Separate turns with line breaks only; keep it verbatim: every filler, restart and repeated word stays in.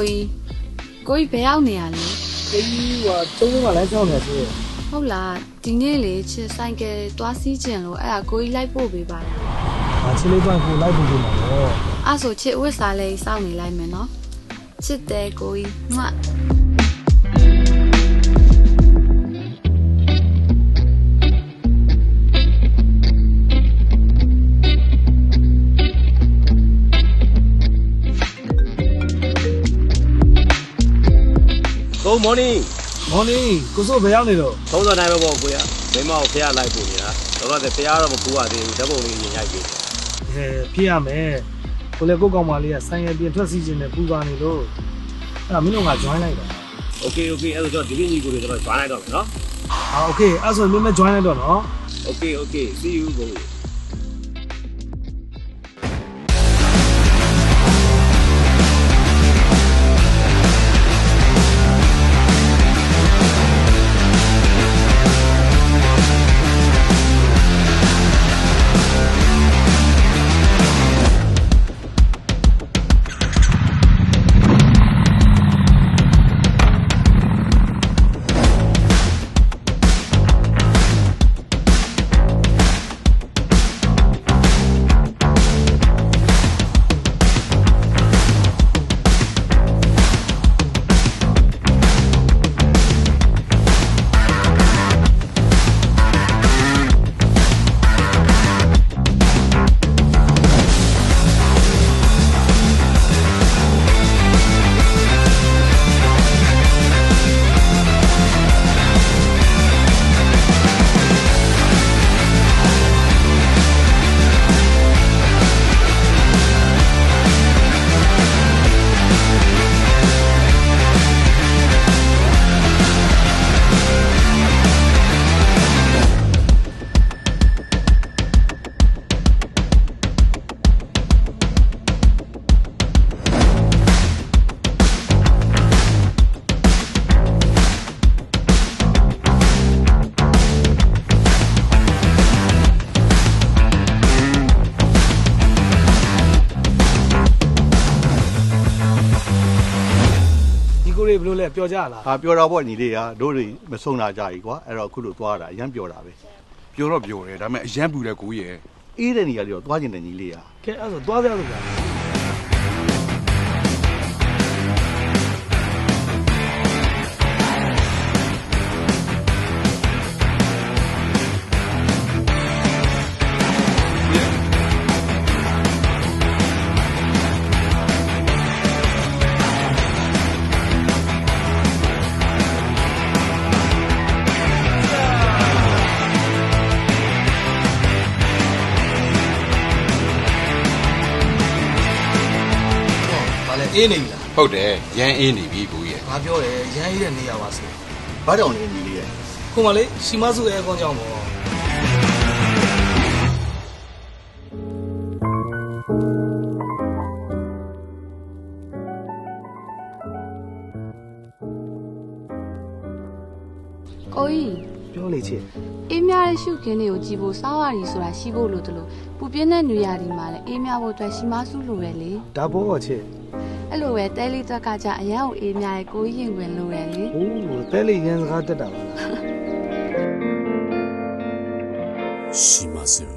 ကြီးကိုကြီးဘယ်ရောက်နေရလဲ
ကိုကြီးကတုံးလုံးကလမ်းကြောင်းနေဆို
ဟုတ်လားဒီနေ့လေချစ်ဆိုင်ကယ်သွားစီးကျင်လို့အဲ့ဒါကိုကြီးလိုက်ပို့ပေးပါလား
ဟာချစ်လေးပိုင်းကိုလိုက်ပို့ပေးမှာတော့
အဲ့ဆိုချစ်ဝစ်စားလေးစောင့်နေလိုက်မယ်နော်ချစ်တယ်ကိုကြီးမွတ်
Good morning
morning ကိုစိုးဘယ်ရောက်နေတော့
သုံးစောတိုင်းပဲပေါ့ကိုရမိမကိုဖះလိုက်ပို့နေတာတော့တဲ့ဖះတော့မပူရသေးဘူးဓာတ်ပုံလေးရင်ရိုက်ပေး
ဟဲဖြစ်ရမယ်ကိုလေကိုကောင်မလေးကဆိုင်ရပြင်ထွက်စီခြင်းနဲ့ပူသွားနေလို့အဲ့ဒါမင်းတို့က join လိုက်တာ
Okay okay အဲ့တော့ဒီနေ့ညီကိုတွေတော့ join လိုက်တော့မယ်နော်
ဟာ okay အဲ့ဆိုမင်းမ join လိုက်တော့နော်
Okay okay see you ကို
ဘယ်လိုလဲပျော်ကြလား
ဟာပျော်တာပေါ့ညီလေးကတို့တွေမဆုံးတာကြကြီးကွာအဲ့တော့အခုလိုသွားတာအရန်ပျော်တာပဲ
ပျော်တော့ပျော်တယ်ဒါပေမဲ့အရန်ပူတယ်ကိုကြီးရယ်
အေးတဲ့နေရာလေးတော့သွားကျင်တယ်ညီလေးက
ကဲအဲ့ဆိုသွားကြလို့ကြာ
အေးနေပြီလား
ဟုတ်တယ်ရန်အေးနေပြီကိုကြီးရယ်
ငါပြောတယ်ရန်အေးတဲ့နေရာပါဆို
ဘာကြောင့်လဲညီလေးရယ်
ခုမှလေရှီမစုအဲကောင်းကြောင်းပေါ့
ကိုကြီး
ပြောလေချစ်
အေးမြတဲ့ရှုခင်းတွေကိုကြည်ဖို့စားဝါရီဆိုတာရှိဖို့လို့တလို့ပူပြင်းတဲ့နေရာဒီမှာလည်းအေးမြဖို့အတွက်ရှီမစုလိုပဲလေ
ဒါပေါ့ချစ်
အဲ့လိုပဲတဲလေးတွက်ကကြအရန်ကိုအေးမြရဲ့ကိုကြီးရင်ဝင်လိုတယ်လေ
ဟိုးတဲလေးရန်စကားတက်တာပါလား
ရှီမစု